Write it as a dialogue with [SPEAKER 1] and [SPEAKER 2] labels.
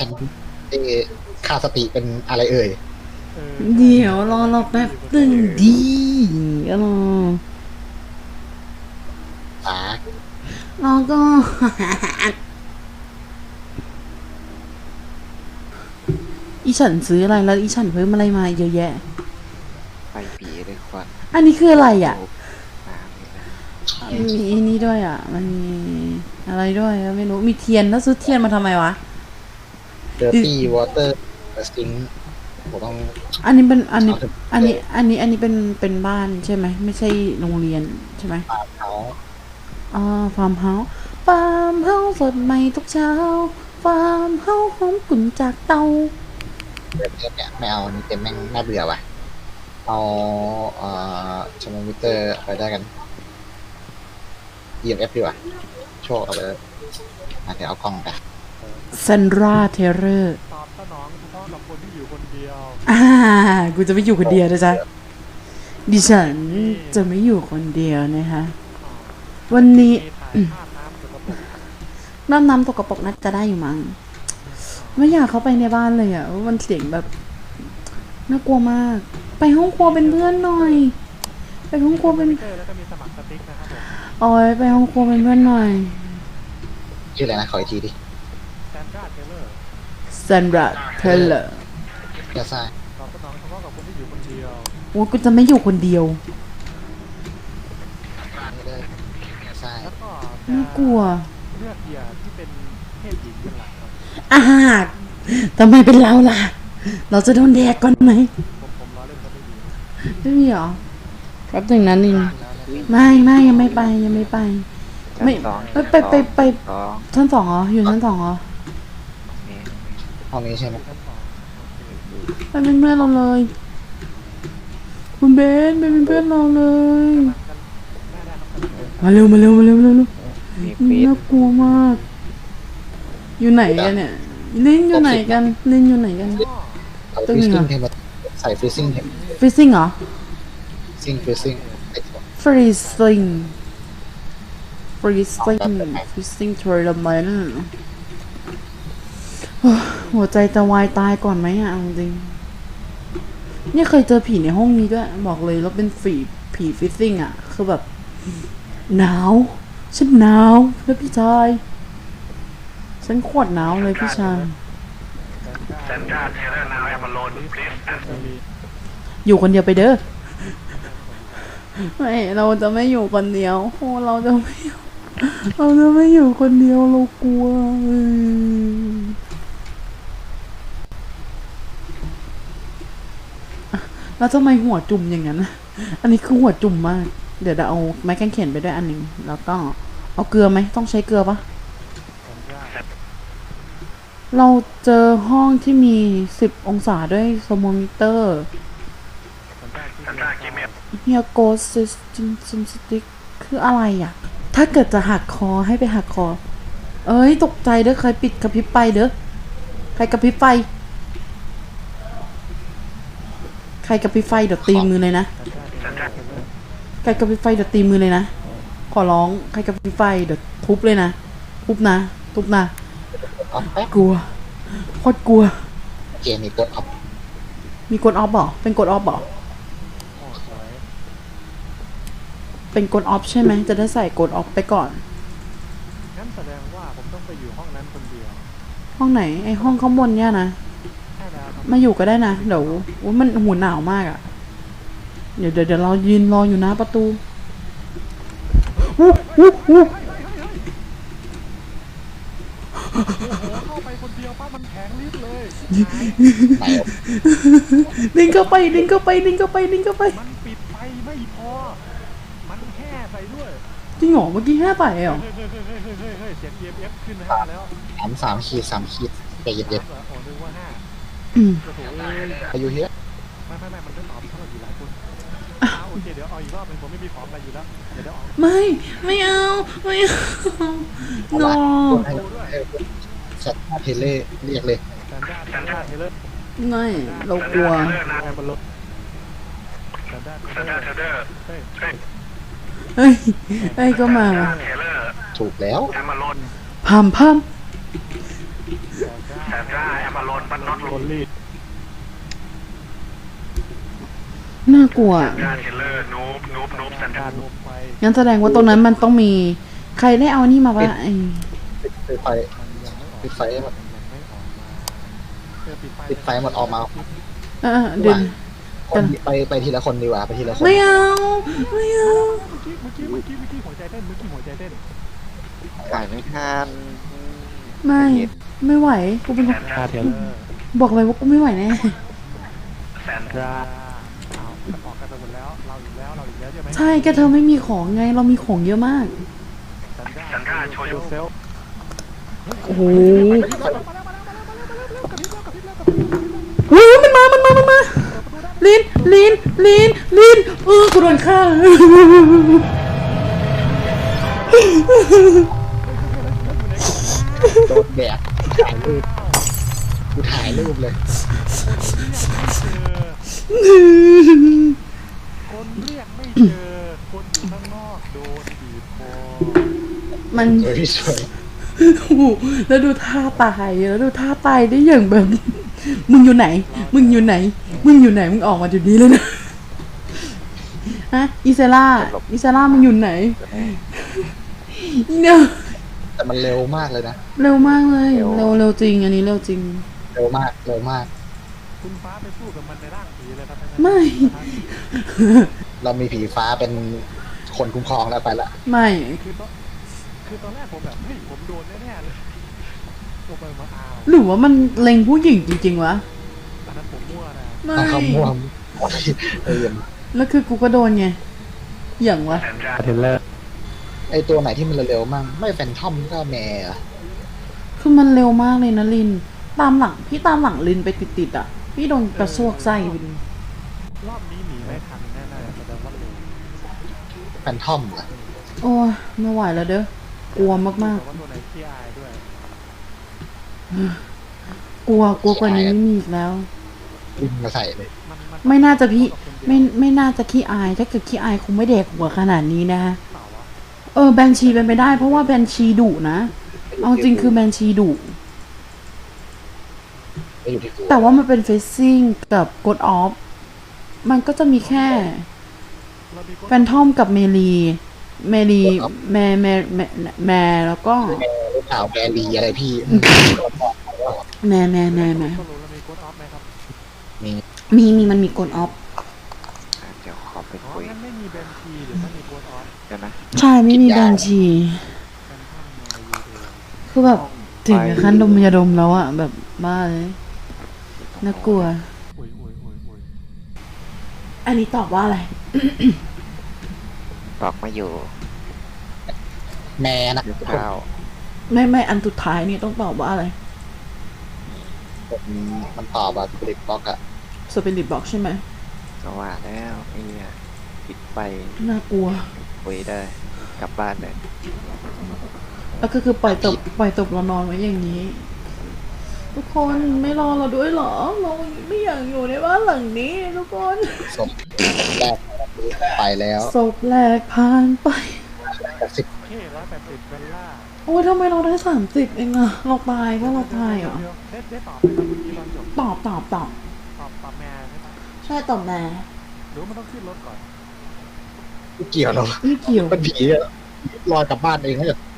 [SPEAKER 1] ฉันเอค่าสติเป็นอะไรเอ่ย
[SPEAKER 2] เดี๋ยวรอเราแป๊บตึงดีก็รอ
[SPEAKER 1] ป๋าร
[SPEAKER 2] อก็อีฉันซื้ออะไรแล้วอีฉันเพิ่มอะไรมาเยอะแยะ
[SPEAKER 3] ไฟปีเลยควัน
[SPEAKER 2] อันนี้คืออะไรอ่ะ
[SPEAKER 3] น้ำนี่นะ
[SPEAKER 2] มีนี่ด้วยอ่ะมันมีอะไรด้วยไม่รู้มีเทียนแล้วซื้อเทียนมาทำไมวะ
[SPEAKER 1] Dirty Water Sink ผมต้อง
[SPEAKER 2] อันนี้เป็นอันนี้เป็นบ้านใช่ไหมไม่ใช่โรงเรียนใช่ไหม
[SPEAKER 1] เขา
[SPEAKER 2] ฟาร์มเฮาส์ฟาร์มเฮาส์สดใหม่ทุกเช้าฟาร์มเฮาส์หอมกลุ่นจากเตา
[SPEAKER 1] เดี๋ยวเนี่ยไม่เอานี่เต็มแม่งน่าเบื่อว่ะเอาชมวิเตอร์ไปได้กัน EMF ดีกว่าโชคเอาไปเลยเดี๋ยวเอากล้องไป
[SPEAKER 2] เซนราเทเรอร์
[SPEAKER 4] ตอบสนองเฉพาะกับคนที่อยู่คนเดียว
[SPEAKER 2] กูจะไม่อยู่คนเดียวนะจ๊ะดิฉันจะไม่อยู่คนเดียวนะคะวันนี้น้ำตกกระปกน่าจะได้อยู่มั้งไม่อยากเข้าไปในบ้านเลยอ่ะมันเสียงแบบน่ากลัวมากไปห้องครัวเป็นเพื่อนหน่อยไปห้องครัวเป็น
[SPEAKER 4] แล้วก็มีสมัครสติ๊กนะครับผม
[SPEAKER 2] โอ้ยไปห้องครัวเป็นเพื่อนหน่อย
[SPEAKER 1] ชื่ออะไรนะขออีกทีดิ
[SPEAKER 4] แซนดราเทเลอร์
[SPEAKER 1] จะใช่
[SPEAKER 4] ตอบสนองเฉพาะกับคนที่อยู่คนเดียว
[SPEAKER 2] โอ้กูจะไม่อยู่คนเดียว
[SPEAKER 1] ใช่
[SPEAKER 4] แล้วก็
[SPEAKER 2] น่ากลัว
[SPEAKER 4] เลือกเหยื่อที่เป็นเพศหญิงเป็นหลักครับ
[SPEAKER 2] ทำไมเป็นเราล่ะเราจะโดนแดกก่อนไหม
[SPEAKER 4] ผมล้อเล่นก็ไม่ดี
[SPEAKER 2] ไม่มีหรอแป๊บหนึ่งนะนินไม่ยังไม่ไปไม่ไปชั้นสองเหรออยู่ชั้นสองเหรอ
[SPEAKER 1] ห้องนี้ใช่ไหม
[SPEAKER 2] ไปเป็นเพื่อนเราเลยคุณเบนไปเป็นเพื่อนเราเลยมาเร็วน่ากลัวมากอยู่ไหนกันเนี่ยลินอยู่ไหนกัน
[SPEAKER 1] ตึ้งเหรอใส่ฟรีซิ่ง
[SPEAKER 2] เหรอ
[SPEAKER 1] ฟรีซิ่ง
[SPEAKER 2] ฟรีซิ่งทัวร์ละมันหัวใจจะวายตายก่อนไหมอ่ะจริงเนี่ยเคยเจอผีในห้องนี้ด้วยบอกเลยแล้วเป็นผีฟิซซิ่งอ่ะคือแบบหนาวฉันหนาวแล้วพี่ชายฉันโคตรหนาวเลยพี่ชายอยู่คนเดียวไปเด้อไม่เราจะไม่อยู่คนเดียวโอ้เราจะไม่อยู่คนเดียวเรากลัวแล้วทำไมหัวจุ่มอย่างนั้นอันนี้คือหัวจุ่มมากเดี๋ยวเอาไม้กางเขนไปด้วยอันหนึ่งแล้วก็เอาเกลือไหมต้องใช้เกลือปะเราเจอห้องที่มี10 องศาด้วยโซโมมิเตอร์เฮียโกซิสซิมสติกคืออะไรอ่ะถ้าเกิดจะหักคอให้ไปหักคอเอ้ยตกใจเด้อใครปิดกระพริบไฟเด้อใครกระพริบไฟเดี๋ยวตีมือเลยนะใครกระพริบไฟเดี๋ยวตีมือเลยนะขอร้องใครกระพริบไฟเดี๋ยวทุบเลยนะทุบนะกลัวโคตรกลัว
[SPEAKER 1] เกมมีกดออฟ
[SPEAKER 2] เหรอเป็นกดออฟเหรอเป็นกดออฟใช่ไหมจะได้ใส่กดออฟไปก่อน
[SPEAKER 4] งั้นแสดงว่าผมต้องไปอยู่ห้องนั้นคนเดียว
[SPEAKER 2] ห้องไหนไอห้องข้างบนเนี่ยนะมาอยู่ก็ได้นะเดี๋ยวมันหูหนาวมากอ่ะเดี๋ยวเรายืนรออยู่หน้าประตู
[SPEAKER 4] เข้าไปคนเดียวป้ามันแข็งลิบเลย
[SPEAKER 2] ดึงเข้าไปมันปิดไฟ
[SPEAKER 4] ไม่พอมันแห่ใส่ด้วย
[SPEAKER 2] จริงเหรอเมื่อกี้แห่ใส่เหรอ
[SPEAKER 4] เสียง EMF ขึ้น5แล้ว
[SPEAKER 1] 3 ขีดใจเย็น
[SPEAKER 4] ๆนึกว่า
[SPEAKER 1] 5อายุเยอะ
[SPEAKER 4] ไม่มันไม่ตอบถ้าเราอยู่หลายคนโอเคเดี๋ยวเอาอีกรอบนึงผมไม่มีของอะไรอยู่แล้วเดี๋ยวเอา
[SPEAKER 2] ไม่เอา
[SPEAKER 1] no ชัดเทเล่เรียกเลย
[SPEAKER 2] ไม่เรากลัวเฮ้ยก็มา
[SPEAKER 1] ถูกแล้ว
[SPEAKER 2] พัม
[SPEAKER 4] โดนรีด
[SPEAKER 2] น่ากลัว
[SPEAKER 4] การลงไป
[SPEAKER 2] งั้นแสดงว่าตรงนั้นมันต้องมี ใครได้เอานี่มาปะไอ้
[SPEAKER 1] ปิดไฟ ปิดไฟให้หมด
[SPEAKER 4] ยังไม่ออกมา
[SPEAKER 1] ปิดไฟหมดออกมา
[SPEAKER 2] เดิน
[SPEAKER 1] คนไปทีละคนดีกว่าไปทีละคน
[SPEAKER 2] ไม่เอาไม่เอา
[SPEAKER 4] เมื่อกี้หัวใจเต้น
[SPEAKER 3] ถ่ายไม่ทัน
[SPEAKER 2] ไม่ไหวกูเป็นคน
[SPEAKER 4] คาเทเลอร์
[SPEAKER 2] บอกเลยว่ากูไม่ไหวแน่
[SPEAKER 4] แซนดราเอาออกกันไปหมดแล้วเราอีกแล้วใช่ไหม
[SPEAKER 2] ใช่แกเธอไม่มีของไงเรามีของเยอะมาก
[SPEAKER 4] แซนดราโชว์ยูเซล
[SPEAKER 2] โอ้โหมันมาลินกูโดนฆ่า
[SPEAKER 1] โดนแดดถ่ายรูปกูถ่ายรูปเลย
[SPEAKER 4] คนเรียกไม่เจอคนอยู่ข้างนอกโดนบีบคอ
[SPEAKER 2] มัน
[SPEAKER 1] สวยสวย
[SPEAKER 2] โอ้โหแล้วดูท่าตายได้อย่างแบบ มึงอยู่ไหน มึงออกมาจุดนี้เลยนะฮะอิเซล่ามึงอยู่ไหนเนี่ย
[SPEAKER 1] แต่มันเร็วมากเลยนะ
[SPEAKER 2] เร็วมากเลยเร็วจริงอันนี้เร็วจริง
[SPEAKER 1] เร็วมาก
[SPEAKER 4] คุณฟ้าไปสู้กับมันในร่างผีเลยครับ
[SPEAKER 2] ไม่
[SPEAKER 1] เรามีผีฟ้าเป็นคนคุ้มครองแล้วไปละ
[SPEAKER 2] ไม่
[SPEAKER 4] คือตอนแรกผมแบบเฮ้ยผมโดนแน่ๆเลยลงไปมาอ้าว
[SPEAKER 2] หรือว่ามันเล็งผู้หญิงจริงๆวะ
[SPEAKER 4] อันนั้นผมมั่วนะ
[SPEAKER 2] ไม่
[SPEAKER 1] ถ้าเขาม่วงเออ
[SPEAKER 2] แล้วคือกูก็โดนไงอย่างวะ
[SPEAKER 4] เทเลอร์
[SPEAKER 1] ไอตัวไหนที่มันเร็วๆมั่งไม่แฟนทอมก็แมร์อะ
[SPEAKER 2] คือมันเร็วมากเลยนะลินพี่ตามหลังลินไปติดๆอ่ะพี่โดนกระซวกไส้ลิน
[SPEAKER 4] รอบนี้หนีไม่ทันแน่ๆแสดงว่าเร็ว
[SPEAKER 1] แฟนทอมอะ
[SPEAKER 2] โอ้ยไม่ไหวแล้วเด้อกลัวมาก
[SPEAKER 4] แต่ว่าตัวไหนขี้อายด้วย
[SPEAKER 2] ๆกลัวกว่านี้ไม่มีอีกแล้ว
[SPEAKER 1] วิ่งมาใส่เลย
[SPEAKER 2] ไม่น่าจะพี่ไม่น่าจะขี้อายถ้าเกิดขี้อายคงไม่เด็กหัวขนาดนี้นะ
[SPEAKER 4] เปล่าวะ
[SPEAKER 2] แบนชีเป็นไปได้เพราะว่าแบนชีดุนะเอาจริงคือแบนชีดุ
[SPEAKER 1] ไม่อยู่ที่กู
[SPEAKER 2] แต่ว่ามันเป็นเฟซซิ่งกับกดออฟมันก็จะมีแค่
[SPEAKER 4] เรามีคน
[SPEAKER 2] แฟนทอมกับแมแล้วก็
[SPEAKER 1] ลูกสาวแมรีอะไรพี่
[SPEAKER 2] แม่
[SPEAKER 4] สรุปเรามีโค้ดออฟไหมครับ
[SPEAKER 2] มันมีกดออฟ
[SPEAKER 3] เดี๋ยวขอไป
[SPEAKER 4] อ๋อ
[SPEAKER 3] คุย
[SPEAKER 4] งั้นไม่มีแบนชีหรือไม่มีโค้ดออฟ
[SPEAKER 3] เดี๋ยวนะ
[SPEAKER 2] ใช่ไม่มีแบนชี
[SPEAKER 4] เป็นท่านมายูเดย์
[SPEAKER 2] คือแบบถึงกับขั้นดมยาดมแล้วอะแบบบ้าเลยน่ากลัว
[SPEAKER 4] อุ้ย
[SPEAKER 2] อันนี้ตอบว่าอะไร
[SPEAKER 3] บอกไม่อยู่
[SPEAKER 1] แม่นะ
[SPEAKER 3] ยุคข้าว
[SPEAKER 2] ไม่อันสุดท้ายนี่ต้องตอบว่าอะไร
[SPEAKER 1] มันตอบว่าบริบล็อกอะ
[SPEAKER 2] สปิริตบอกใช่ไหม
[SPEAKER 3] ก็ว่าแล้วไอ้เนี่ยปิดไป
[SPEAKER 2] น่ากลัว
[SPEAKER 3] คุยได้กลับบ้านเลย
[SPEAKER 2] แล้วก็คือปล่อยตบเรานอนไว้อย่างนี้ ทุกคนไม่รอเราด้วยเหรอเราไม่อยากอยู่ในบ้านหลังนี้ทุกคน
[SPEAKER 1] ศพแรกไปแล้ว
[SPEAKER 2] ศพแรกผ่านไป
[SPEAKER 4] เค180เบลล่า
[SPEAKER 2] โอ้ยทำไมเราได้30เองอะเราตายเพราะเราตายเหรอ
[SPEAKER 4] ได้ตอบไหมครับเมื่อกี้ตอนจบ
[SPEAKER 2] ตอบ
[SPEAKER 4] ตอบแม่ใช่ไหม
[SPEAKER 2] ใช่ตอบแน่
[SPEAKER 4] หรือมันต้องขึ้นรถก่อน
[SPEAKER 1] ไม่เกี่ยวหรอก
[SPEAKER 2] ไม่เกี่ยว
[SPEAKER 1] เป็นผีอะลอยกลับบ้านเองแล้ว